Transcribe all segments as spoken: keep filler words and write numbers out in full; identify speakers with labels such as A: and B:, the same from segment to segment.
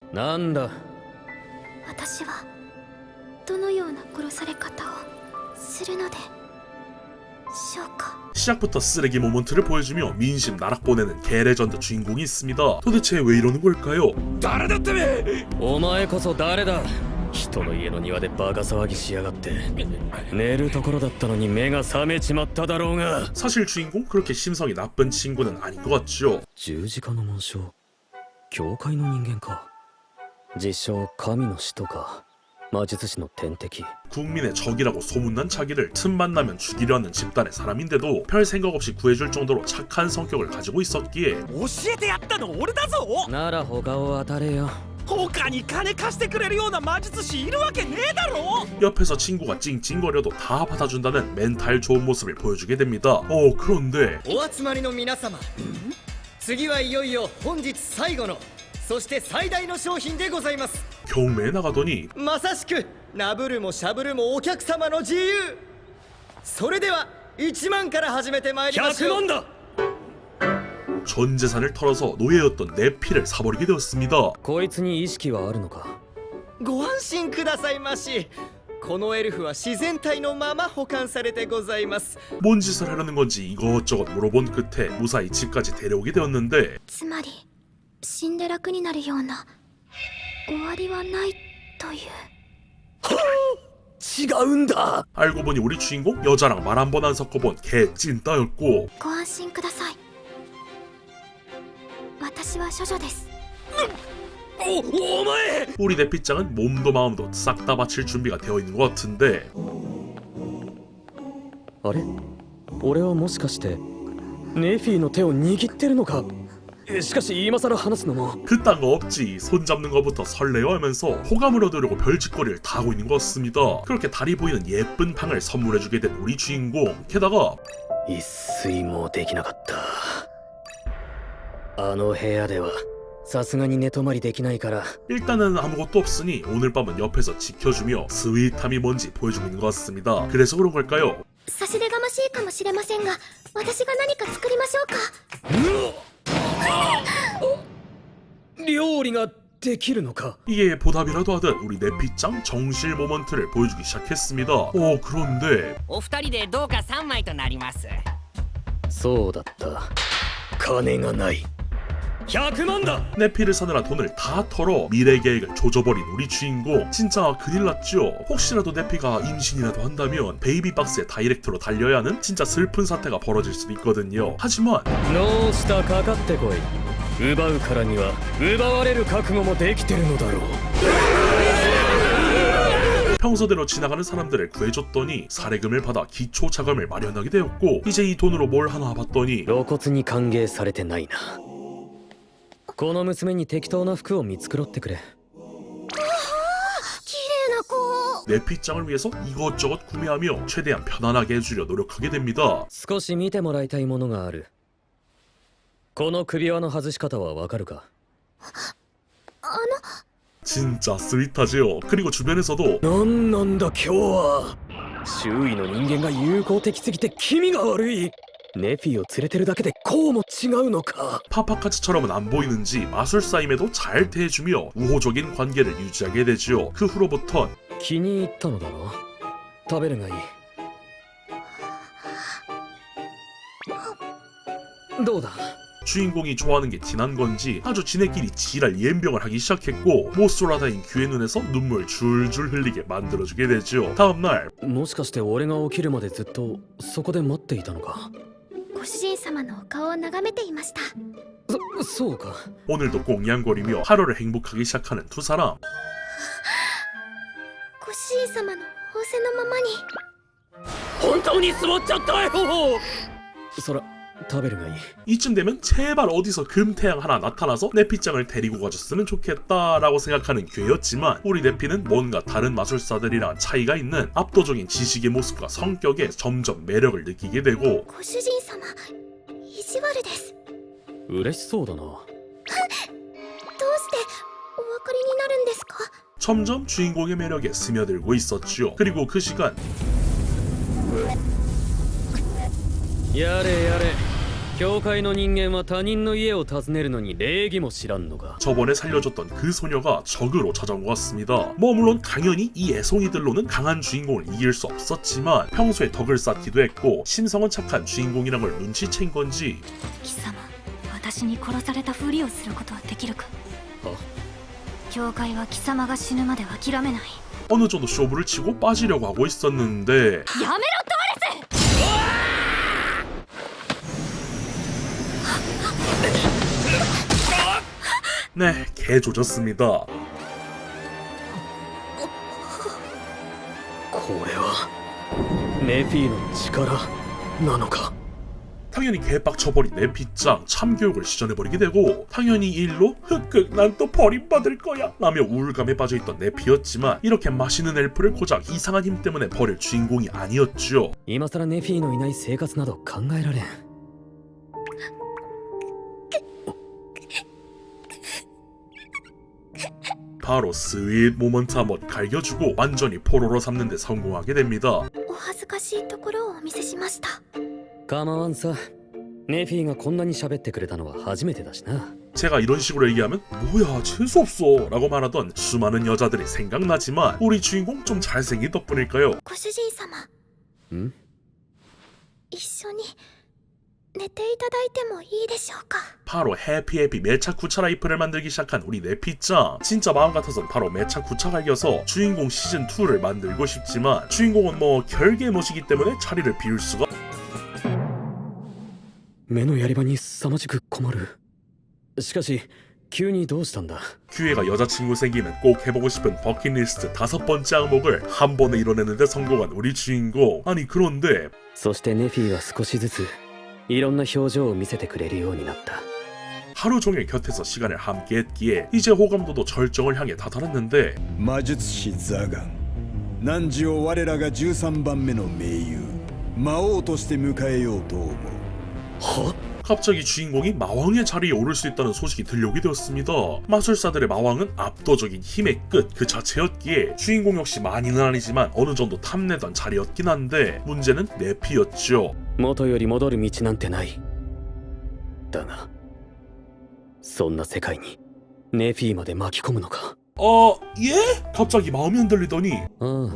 A: なんだ。
B: 私はどのような殺され方をするのでしょうか。
C: 시작부터 쓰레기 모먼트를 보여주며 민심 나락 보내는 개레전드 주인공이 있습니다. 도대체 왜 이러는 걸까요?
A: 誰だってめ。お前こそ誰だ。人の家の庭でバカ騒ぎしやがって。寝るところだったのに目が覚めちまっただろうが。
C: 사실 주인공 그렇게 심성이 나쁜 친구는 아닌 것 같죠.
A: 十字架の紋章、教会の人間か。自称神の使徒か。魔術師の天敵。
C: 국민의 적이라고 소문난 자기를 틈만 나면 죽이려 하는 집단의 사람인데도 별 생각 없이 구해줄 정도로 착한 성격을 가지고 있었기에
D: 教えてやったの俺だぞ。
A: なら他を当たれよ。
D: 他に金貸してくれるような魔術師いるわけねえだろ。
C: 옆에서 친구가 찡찡거려도 다 받아준다는 멘탈 좋은 모습을 보여주게 됩니다. 어 그런데
E: お集まりの皆様、次はいよいよ本日最後のそして最大の商品でございます。
C: 경매에 나가더니
E: まさしくナブルもシャブルもお客様の自由。それではいちまんから始めてまいりましょう。
A: ひゃくまんだ。
C: 전 재산을 털어서 노예였던 네피를 사버리게 되었습니다.
A: こいつに意識はあるのか。
E: ご安心くださいまし。このエルフは自然体のまま保管されてございます。
C: 뭔 짓을 하려는 건지 이것저것 물어본 끝에 무사히 집까지 데려오게 되었는데
B: つまり死んで楽になるような終わりはないという。
A: 違うんだ。
C: 알고 보니 우리 주인공 여자랑 말 한 번 안 섞어본 개 찐따였고
B: ご安心ください。私は処女です。
A: お、お前。
C: 우리 네피짱은 몸도 마음도 싹 다 바칠 준비가 되어 있는 것 같은데
A: あれ、俺はもしかしてネフィの手を握ってるのか。しかし今更話すのも。
C: 그딴 거 없지. 손 잡는 것부터 설레어하면서 호감을 얻으려고 별짓거리를 다 하고 있는 것 같습니다. 그렇게 달이 보이는 예쁜 방을 선물해주게 된 우리 주인공. 게다가
A: 一睡もできなかった。あの部屋ではさすがに寝泊まりできないから。
C: 일단은 아무것도 없으니 오늘 밤은 옆에서 지켜주며 스윗함이 뭔지 보여주고 있는 것 같습니다. 그래서 그런 걸까요?
B: 差し出がましいかもしれませんが、私が何か作りましょうか。
A: 料理ができるのか。
C: 이게 보답이라도 하듯 우리 네피짱 정실 모먼트를 보여주기 시작했습니다. 어 그런데
F: お二人でどうかさんまいとなります。
A: そうだった。金がない。ひゃくまんだ。
C: 네피를 사느라 돈을 다 털어 미래 계획을 조져버린 우리 주인공. 진짜 큰일 났죠. 혹시라도 네피가 임신이라도 한다면 베이비 박스의 다이렉트로 달려야 하는 진짜 슬픈 사태가 벌어질 수도 있거든요. 하지만
A: ノースターかかってこい。奪うからには奪われる覚悟もできてるのだろう。
C: 평소대로 지나가는 사람들을 구해줬더니 사례금을 받아 기초 자금을 마련하게 되었고 이제 이 돈으로 뭘 하나 봤더니
A: 露骨に歓迎されてないな。この娘に適当な服を見繕ってくれ。
B: 綺麗な子。
C: 네피짱을 위해서 이것저것 구매하며 최대한 편안하게 해주려 노력하게 됩니다.
A: 少し見てもらいたいものがある。この首輪の外し方はわかるか。
B: あの
C: 진짜 스윗하지요. 그리고 주변에서도
A: なんなんだ今日は。周囲の人間が友好的すぎて気味が悪い。ネフィを連れてるだけでこうも違うのか。
C: 파파카츠처럼은 안 보이는지 마술사임에도 잘 대해주며 우호적인 관계를 유지하게 되지요. 그 후로부턴
A: 気に入ったのだろう。食べるがいい。どうだ。
C: 주인공이 좋아하는 게 티난 건지 아주 지네끼리 지랄 예병을 하기 시작했고 모쏠라다인 귀의 눈에서 눈물 줄줄 흘리게 만들어주게 되죠. 다음날
A: もしかして俺が起きるまでずっとそこで待っていたのか。
B: ご主人様のお顔を眺めていました。
A: そ、そうか。
C: 오늘도 꽁냥거리며 하루를 행복하게 시작하는 두 사람.
B: ご主人様の仰せのままに。
A: 本当に座っちゃったよ。そら食べるがいい。
C: 이쯤 되면 제발 어디서 금태양 하나 나타나서 네피짱을 데리고 가줬으면 좋겠다라고 생각하는 괴였지만 우리 네피는 뭔가 다른 마술사들이랑 차이가 있는 압도적인 지식의 모습과 성격에 점점 매력을 느끼게 되고
B: ご主人様、意地悪です。
A: 嬉しそうだな。
B: どうしてお分かりになるんですか？
C: 점점 주인공의 매력에 스며들고 있었죠. 그리고 그 시간
A: やれやれ。 教会の人間は他人の家を訪ねるのに礼儀も知らんのか。
C: 저번에 살려줬던 그 소녀가 적으로 찾아온 것 같습니다. 뭐 물론 당연히 이 애송이들로는 강한 주인공을 이길 수 없었지만 평소에 덕을 쌓기도 했고 심성은 착한 주인공이란 걸 눈치챈 건지
B: 貴様私に殺されたふりをすることはできるか。教会は貴様が死ぬまでは諦めない。
C: 어느 정도 쇼부를 치고 빠지려고 하고 있었는데
B: やめろトワレス。
C: 네, 개 조졌습니다.
A: これはネフィの力なのか。
C: 당연히 개빡쳐버린 네피짱 참교육을 시전해버리게 되고 당연히 이 일로 흑흑 난 또 버림받을 거야 라며 우울감에 빠져있던 네피였지만 이렇게 맛있는 엘프를 고작 이상한 힘 때문에 버릴 주인공이 아니었죠.
A: 今さらネフィのいない生活など考えられん。
C: 바로 스윗 모먼트 한번 갈겨주고 완전히 포로로 삼는 데 성공하게 됩니다.
B: お恥ずかしいところをお見せしました。
A: 構わんさ。ネフィがこんなに喋ってくれたのは初めてだしな。
C: 제가 이런 식으로 얘기하면 뭐야 재수없어 라고 말하던 수많은 여자들이 생각나지만 우리 주인공 좀 잘생긴 덕분일까요?
B: ご主人様、
A: ん？
B: 一緒に寝ていただいてもいいでしょうか。
C: 바로 해피해피 매차 구차 라이프를 만들기 시작한 우리 네피짱. 진짜 마음 같아선 바로 매차 구차 갈겨서 주인공 시즌이를 만들고 싶지만 주인공은 뭐 결계 모시기 때문에 자리를 비울 수가.
A: 目のやり場に凄まじく困る。しかし急にどうしたんだ。
C: 기회가 여자친구 생기면 꼭 해보고 싶은 버킷리스트 다섯 번째 항목을 한 번에 이뤄내는데 성공한 우리 주인공. 아니 그런데
A: そしてネフィは少しずついろんな表情を見せてくれるようになった。
C: 하루 종일 곁에서 시간을 함께했기에 이제 호감도도 절정을 향해 다다랐는데
G: 魔術師ザガン汝を我らがじゅうさんばんめの盟友魔王として迎えようと思う。
C: 갑자기 주인공이 마왕의 자리에 오를 수 있다는 소식이 들려오게 되었습니다. 마술사들의 마왕은 압도적인 힘의 끝 그 자체였기에 주인공 역시 많이는 아니지만 어느 정도 탐내던 자리였긴 한데 문제는 네피였죠.
A: 元より戻る道なんてない。だがそんな世界にネフィまで巻き込むのか。
C: 어... 예? 갑자기 마음이 흔들리더니
A: ああ。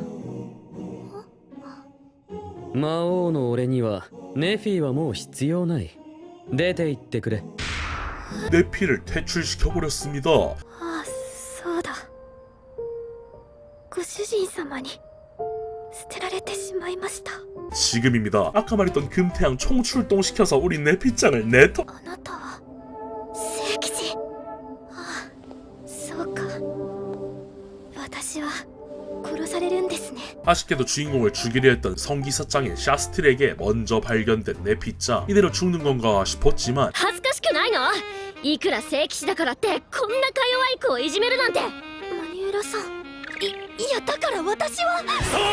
A: 魔王の俺にはネフィはもう必要ない。出て行ってくれ。
C: 네피를 퇴출시켜버렸습니다.
B: ああ、そうだ。ご主人様に捨てられてしまいました。
C: 지금입니다. 아까 말했던 금태양 총출동시켜서 우리 네피짱을 내터...
B: あなたは聖騎士。ああ、そうか。私は殺されるんですね。
C: 아쉽게도 주인공을 죽이려 했던 성기사짱인 샤스틸에게 먼저 발견된 네피짱. 이대로 죽는 건가 싶었지만
B: 恥ずかしくないの？いくら聖騎士だからってこんなか弱い子をいじめるなんて。マニュエラさん、い、いやだから私は。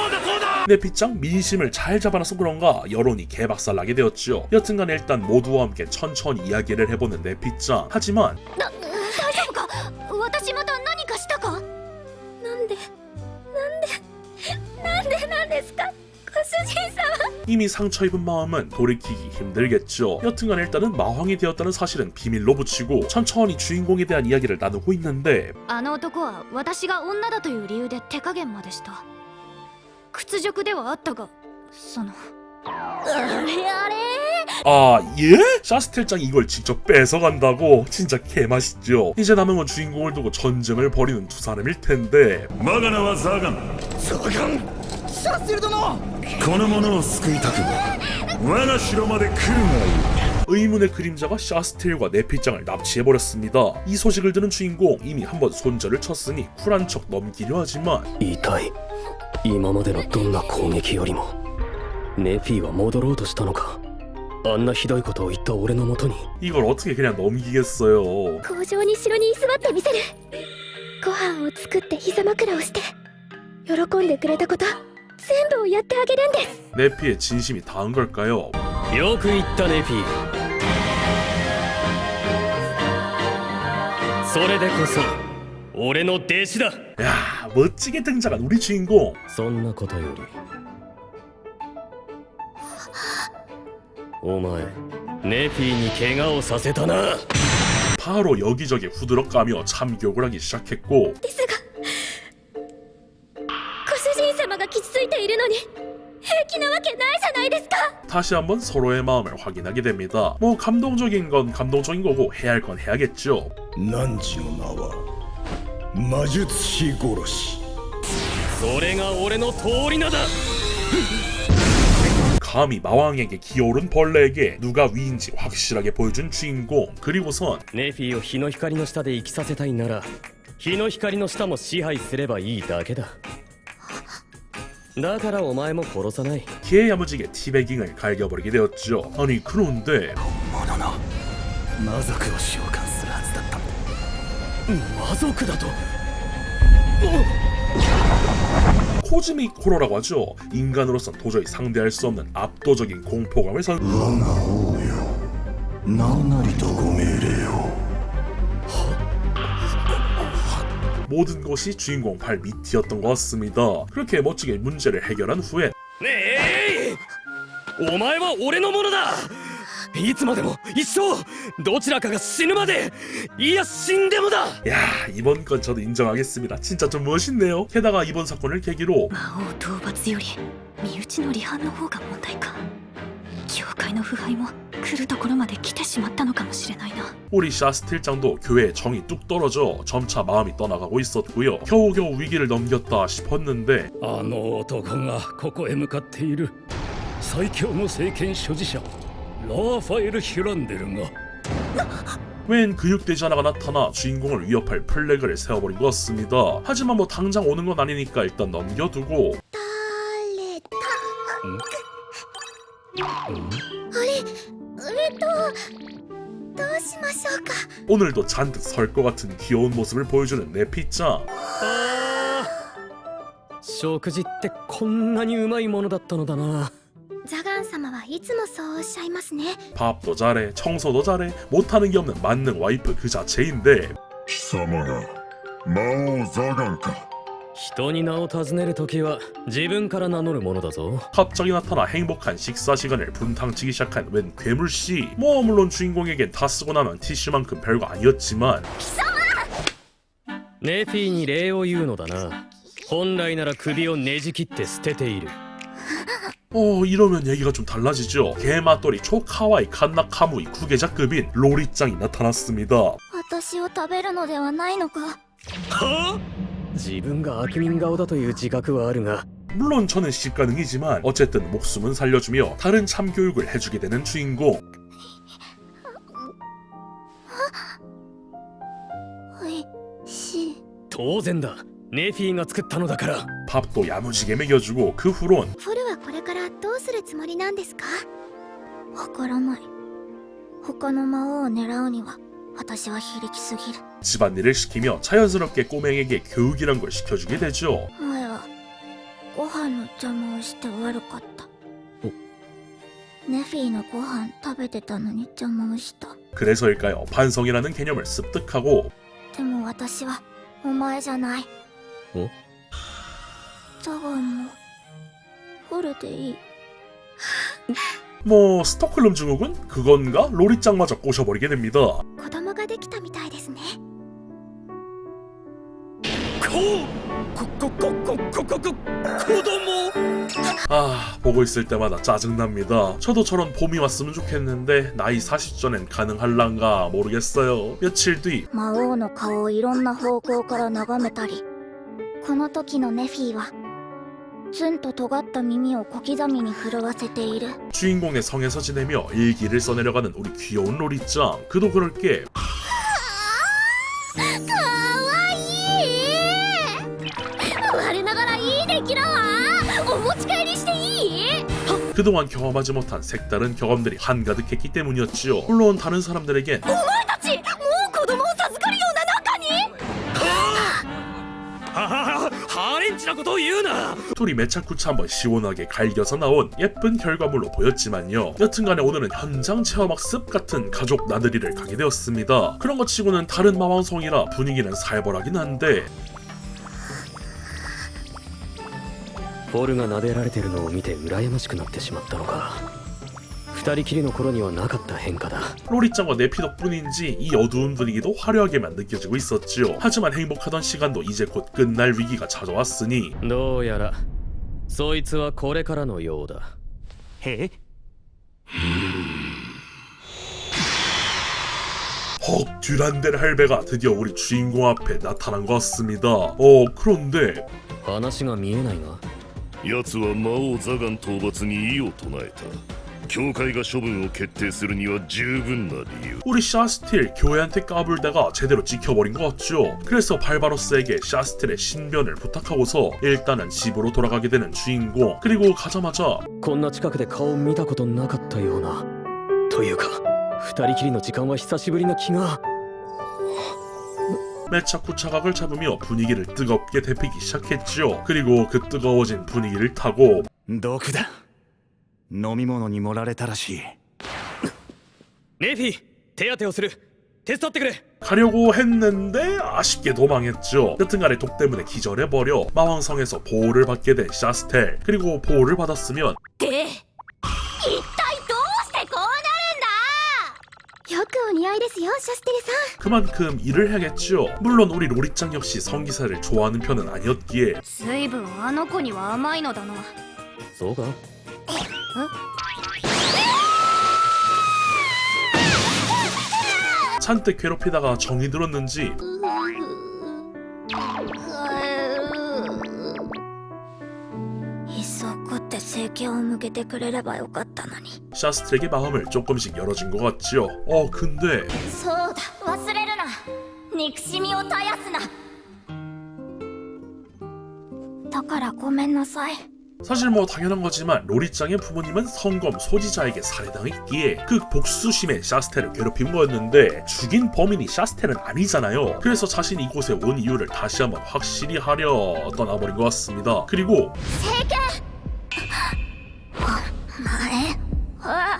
C: 네피짱 민심을 잘 잡아놔서 그런가 여론이 개박살나게 되었죠. 여튼간 일단 모두와 함께 천천히 이야기를 해보는 네피짱. 하지만
B: だ、大丈夫か？私また何かしたか？なんで、なんで、なんでなんですか？ご主人様。
C: 이미 상처 입은 마음은 돌이키기 힘들겠죠. 여튼간 일단은 마왕이 되었다는 사실은 비밀로 붙이고 천천히 주인공에 대한 이야기를 나누고 있는데
B: あの男は私が女だという理由で手加減までした。屈辱ではあったが、そのあれあれ
C: 아 예? 샤스텔짱이 이걸 직접 뺏어간다고? 진짜 개맛있죠. 이제 남은 건 주인공을 두고 전쟁을 벌이는 두 사람일 텐데
G: 我が名はザガン。
E: ザガンシャステル殿。
G: この者を救いたくば我が城まで来るがいい。
C: 의문의 그림자가 샤스텔과 네피짱을 납치해버렸습니다. 이 소식을 들은 주인공 이미 한번 손절을 쳤으니 쿨한 척 넘기려 하지만
A: 痛い。今までのどんな攻撃よりもネフィは戻ろうとしたのか。あんなひどいことを言った俺のもとに
C: 이걸 어떻게 그냥 넘기겠어요.
B: 工場に城に居座ってみせる。ご飯を作って膝枕をして喜んでくれたこと全部をやってあげるんです。
C: 네피의 진심이 닿은 걸까요?
A: よく言ったネフィ。それでこそ俺の弟子だ。
C: 야 멋지게 등장한 우리 주인공.
A: そんなことよりお前ネフィに怪我をさせたな。
C: 바로 여기저기 후드럭 가며 참교육을 하기 시작했고
B: ですがご主人様が傷ついているのに平気なわけないじゃないですか。
C: 다시 한번 서로의 마음을 확인하게 됩니다. 뭐 감동적인 건 감동적인 거고 해야 할 건 해야겠죠.
G: 汝の名は魔術師殺し。
A: それが俺の通り名だ。
C: 감히 마왕에게 기어오른 벌레에게 누가 위인지 확실하게 보여준 주인공. 그리고선
A: ネフィを日の光の下で生きさせたいなら日の光の下も支配すればいいだけだ。だからお前も殺さない。
C: 개야무지게 티베깅을 갈겨버리게 되었죠. 아니 그런데
D: 魔族を召喚するはずだったんだ。
A: 魔族だと。
C: 코즈믹 호러라고 하죠. 인간으로선 도저히 상대할 수 없는 압도적인 공포감을 선.
G: 我が王よ、何なりとご命令を。
C: 모든 것이 주인공 발 밑이었던 것 같습니다. 그렇게 멋지게 문제를 해결한 후엔
A: ねえ、お前は俺のものだ。いつまでも一生どちらかが死ぬまで、いや死んでもだ。
C: 야 이번 건 저도 인정하겠습니다. 진짜 좀 멋있네요. 게다가 이번 사건을 계기로
B: 魔王討伐より身内の離反の方が問題か。教会の腐敗も来るところまで来てしまったのかもしれないな。
C: 우리 샤스틸장도 교회에 정이 뚝 떨어져 점차 마음이 떠나가고 있었고요. 겨우겨우 위기를 넘겼다 싶었는데
H: あの男がここへ向かっている。最強の聖剣所持者ラーファエル・ヒュランデルが
C: 웬 근육돼지 하나가 나타나 주인공을 위협할 플래그를 세워버린 것 같습니다. 하지만 뭐 당장 오는 건 아니니까 일단 넘겨두고
B: 誰だ。あれ、えっとどうしましょうか。
C: 오늘도 잔뜩 설 것 같은 귀여운 모습을 보여주는 네피짱.
A: 食事ってこんなにうまいものだったのだな。
B: ザガン様はいつもそうおっしゃいますね。
C: 밥도 잘해, 청소도 잘해, 못하는 게 없는 만능 와이프 그 자체인데
G: 貴様が魔王ザガンか。
A: 人に名を尋ねるときは自分から名乗るものだぞ。
C: 갑자기 나타나 행복한 식사 시간을 분탕치기 시작한 웬 괴물씨. 뭐 물론 주인공에겐 다 쓰고 나면 티슈만큼 별거 아니었지만
A: ネフィに礼を言うのだな。本来なら首をねじ切って捨てている。
C: 어 이러면 얘기가 좀 달라지죠. 개맛돌이 초카와이 칸나카무이 구계자급인 로리짱이 나타났습니다.
B: 私を食べるのではないのか。
A: 自分が悪人顔だという自覚はあるが
C: 물론 저는 시가능이지만 어쨌든 목숨은 살려주며 다른 참교육을 해주게 되는 주인공.
B: おいしい。
A: 当然だ。ネフィが作ったのだから。
C: 밥도 야무지게 먹여주고 그 후론
B: フォルはこれからどうするつもりなんですか。わからない。他の魔王を狙うには私は非力すぎる。
C: 집안일을 시키며 자연스럽게 꼬맹에게 교육이란 걸 시켜주게 되죠.
B: 前はご飯の邪魔をして悪かった。ネフィのご飯食べてたのに邪魔をした。
C: 그래서일까요? 반성이라는 개념을 습득하고
B: でも私はお前じゃない。
A: お？
B: ザガンもフォルでいい。
C: 뭐 스톡홀름 증후군? 그건가? 로리짱마저 꼬셔버리게 됩니다.
B: 子供ができたみたいですね。
D: こここここここ子供
C: 아 보고 있을 때마다 짜증납니다. 저도 저런 봄이 왔으면 좋겠는데 나이 사십 전엔 가능할란가 모르겠어요. 며칠 뒤
B: 魔王の顔をいろんな方向から眺めたり、この時のネフィはツンと尖った耳を小刻みに震わせている。
C: 주인공의 성에서 지내며 일기를 써내려가는 우리 귀여운 로리짱. 그도 그럴 게
B: かわいい。我ながらいい出来だわ。お持ち帰りしていい？
C: 그동안 경험하지 못한 색다른 경험들이 한가득했기 때문이었지요. 물론 다른 사람들에겐
B: お前たちもう子供を授かるような中に。
A: はははハレンチなことを言うな。
C: 둘이 매차쿠차 한번 시원하게 갈겨서 나온 예쁜 결과물로 보였지만요. 여튼간에 오늘은 현장 체험학습 같은 가족 나들이를 가게 되었습니다. 그런 것 치고는 다른 마왕성이라 분위기는 살벌하긴 한데
A: フォルが撫でられてるのを見て羨ましくなってしまったのか。二二人きりの頃にはなかった変化だ。
C: 로리짱과 네피 덕분인지 이 어두운 분위기도 화려하게만 느껴지고 있었지요. 하지만 행복하던 시간도 이제 곧 끝날 위기가 찾아왔으니
A: どうやらそいつはこれからのようだ。
D: え
C: 헉, 듀란델 할배가 드디어 우리 주인공 앞에 나타난 것 같습니다. 어, 그런데
A: 話が見えないが。
I: 奴は魔王ザガン討伐に異を唱えた。教会が処分を決定するには十分な理由。
C: 우리 샤스틸 교회한테 까불다가 제대로 찍혀버린 것 같죠. 그래서 발바로스에게 샤스틸의 신변을 부탁하고서 일단은 집으로 돌아가게 되는 주인공. 그리고 가자마자
A: こんな近くで顔見たことなかったような。というか二人きりの時間は久しぶりな気が。
C: 매차쿠 차각을 잡으며 분위기를 뜨겁게 데피기 시작했죠. 그리고 그 뜨거워진 분위기를 타고
D: 毒だ。飲み物に盛られたらしい。
A: ネフィ手当てをする。手伝ってくれ。
C: 가려고 했는데 아쉽게 도망했죠. 여튼간에 독 때문에 기절해버려 마왕성에서 보호를 받게 된 샤스텔. 그리고 보호를 받았으면
B: で一体どうしてこうなるんだ。よくお似合いですよシャステルさん。
C: 그만큼 일을 해야겠죠. 물론 우리 로리짱 역시 성기사를 좋아하는 편은 아니었기에
B: 随分あの子には甘いのだな。
A: そうか。
C: 잔뜩 괴롭히다가 정이 들었는지
B: いっそこって政権を向けてくれればよかったのに。
C: 샤스텔에게 마음을 조금씩 열어준 것 같지요. 어 근데
B: そうだ忘れるな。憎しみを絶やすな。だからごめんなさい。
C: 사실 뭐 당연한 거지만 로리짱의 부모님은 성검 소지자에게 살해당했기에 그 복수심에 샤스텔을 괴롭힌 거였는데 죽인 범인이 샤스텔은 아니잖아요. 그래서 자신이 이곳에 온 이유를 다시 한번 확실히 하려 떠나버린 것 같습니다. 그리고
B: 政権お前あ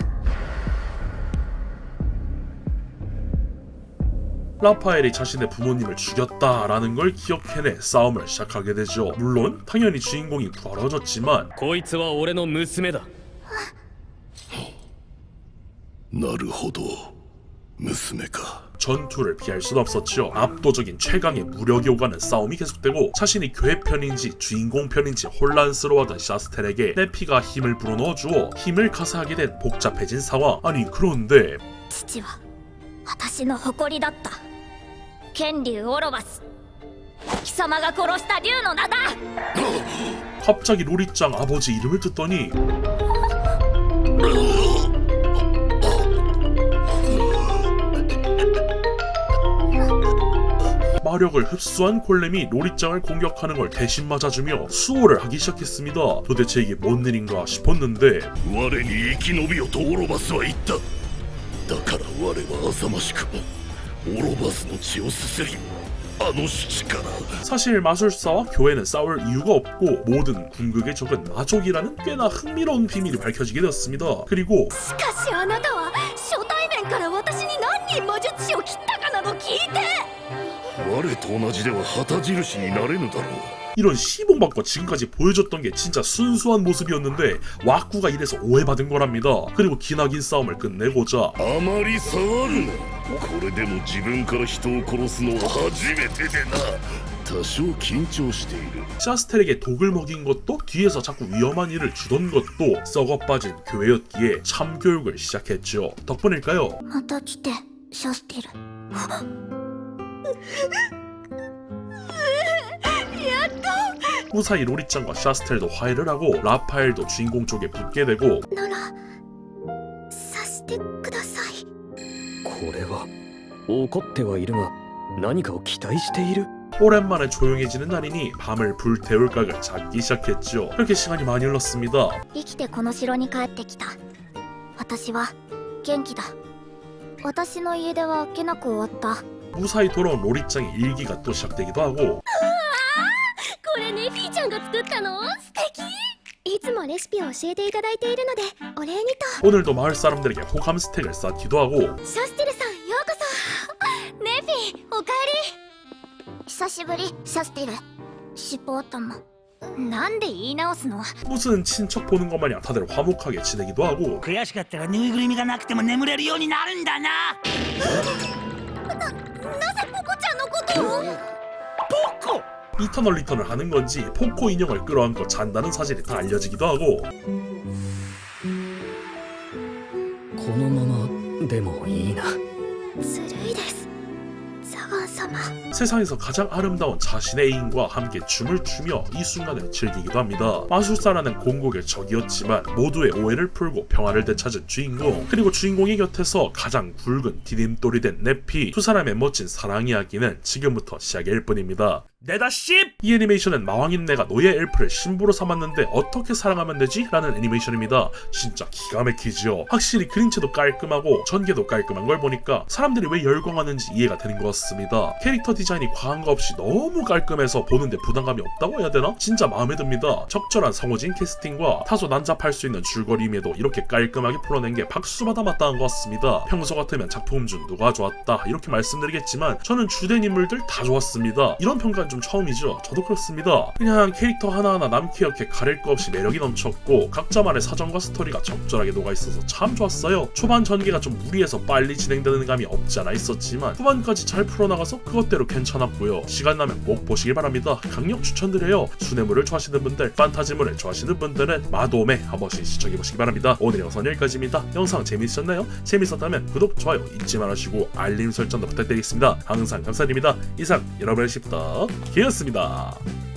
C: 라파엘이 자신의 부모님을 죽였다라는 걸 기억해내 싸움을 시작하게 되죠. 물론 당연히 주인공이 부활해졌지만
A: こいつは俺の娘だ。
I: なるほど、娘か。
C: 전투를 피할 순 없었죠. 압도적인 최강의 무력이 오가는 싸움이 계속되고 자신이 교회 편인지 주인공 편인지 혼란스러워하던 샤스텔에게 네피가 힘을 불어넣어주어 힘을 가사하게 된 복잡해진 상황. 아니 그런데
B: 父は私の誇りだった。剣竜オロバス、貴様が殺した竜の名だ。
C: 갑자기 로리짱 아버지 이름을 듣더니 마력을 흡수한 골렘이 로리짱을 공격하는 걸 대신 맞아주며 수호를 하기 시작했습니다. 도대체 이게 뭔 일인가 싶었는데
I: 我に生き延びよとオロバスは言った。だから我は浅ましくもオロバスの血をすすり、あの死から。
C: 사실 마술사와 교회는 싸울 이유가 없고 모든 궁극의 적은 마족이라는 꽤나 흥미로운 비밀이 밝혀지게 되었습니다. 그리고
B: しかしあなたは初対面から私に何人魔術師を切ったかなど聞いて。
I: 我と同じでは旗印になれぬだろう。
C: 이런 시봉박과 지금까지 보여줬던 게 진짜 순수한 모습이었는데 와꾸가 이래서 오해받은 거랍니다. 그리고 기나긴 싸움을 끝내고자
I: あまり騒ぐな。これでも自分から人を殺すのは初めてでな。多少緊張している。
C: 샤스텔에게 독을 먹인 것도 뒤에서 자꾸 위험한 일을 주던 것도 썩어빠진 교회였기에 참교육을 시작했죠. 덕분일까요?
B: また来てシャステル。
C: 무사히 로리짱과 샤스텔도 화해를 하고 라파엘도 주인공 쪽에 붙게 되고
B: ならさしてください。
A: これは怒ってはいるが何かを期待している。
C: 오랜만에 조용해지는 날이니 밤을 불태울 각을 잡기 시작했죠. 그렇게 시간이 많이 흘렀습니다.
B: 生きてこの城に帰ってきた。私は元気だ。私の家出はあっけなく終わった。
C: 무사히 돌아온 로리짱의 일기가 또 시작되기도 하고
B: これネフィーちゃんが作ったの？素敵。いつもレシピを教えていただいているのでお礼にと。
C: 오늘도 마을 사람들에게 호감 스택을 쌓기도 하고
B: シャステルさんようこそ。ネフィーおかえり。久しぶりシャステル。尻尾頭。 なんで言い直すの？
C: 무슨 친척 보는 것 마냥 다들 화목하게 지내기도 하고
D: 悔しかったらぬいぐるみがなくても眠れるようになるんだな。
B: なぜポコちゃんのことを？
D: ポコ
C: 이터널 리턴을 하는 건지 포코 인형을 끌어안고 잔다는 사실이 다 알려지기도 하고
A: このままでもいいな。
B: ずるいです、ザガン様。
C: 세상에서 가장 아름다운 자신의 애인과 함께 춤을 추며 이 순간을 즐기기도 합니다. 마술사라는 공국의 적이었지만 모두의 오해를 풀고 평화를 되찾은 주인공, 그리고 주인공의 곁에서 가장 굵은 디딤돌이 된 네피, 두 사람의 멋진 사랑 이야기는 지금부터 시작일 뿐입니다. 내다 씹! 이 애니메이션은 마왕인 내가 노예 엘프를 신부로 삼았는데 어떻게 사랑하면 되지? 라는 애니메이션입니다. 진짜 기가 막히지요. 확실히 그림체도 깔끔하고 전개도 깔끔한 걸 보니까 사람들이 왜 열광하는지 이해가 되는 것 같습니다. 캐릭터 디자인이 과한 거 없이 너무 깔끔해서 보는데 부담감이 없다고 해야 되나? 진짜 마음에 듭니다. 적절한 성우진 캐스팅과 다소 난잡할 수 있는 줄거리임에도 이렇게 깔끔하게 풀어낸 게 박수받아 마땅한 것 같습니다. 평소 같으면 작품 중 누가 좋았다 이렇게 말씀드리겠지만 저는 주된 인물들 다 좋았습니다. 이런 평가 좀 처음이죠. 저도 그렇습니다. 그냥 캐릭터 하나하나 남캐 가릴 거 없이 매력이 넘쳤고 각자만의 사정과 스토리가 적절하게 녹아있어서 참 좋았어요. 초반 전개가 좀 무리해서 빨리 진행되는 감이 없지 않아 있었지만 후반까지 잘 풀어나가서 그것대로 괜찮았고요. 시간 나면 꼭 보시길 바랍니다. 강력 추천드려요. 수뇌물을 좋아하시는 분들, 판타지물을 좋아하시는 분들은 마도메 한 번씩 시청해보시기 바랍니다. 오늘 영상 여기까지입니다. 영상 재밌으셨나요? 재밌었다면 구독, 좋아요 잊지 말아주시고 알림 설정도 부탁드리겠습니다. 항상 감사드립니다. 이상 여러분의 십덕 기였습니다.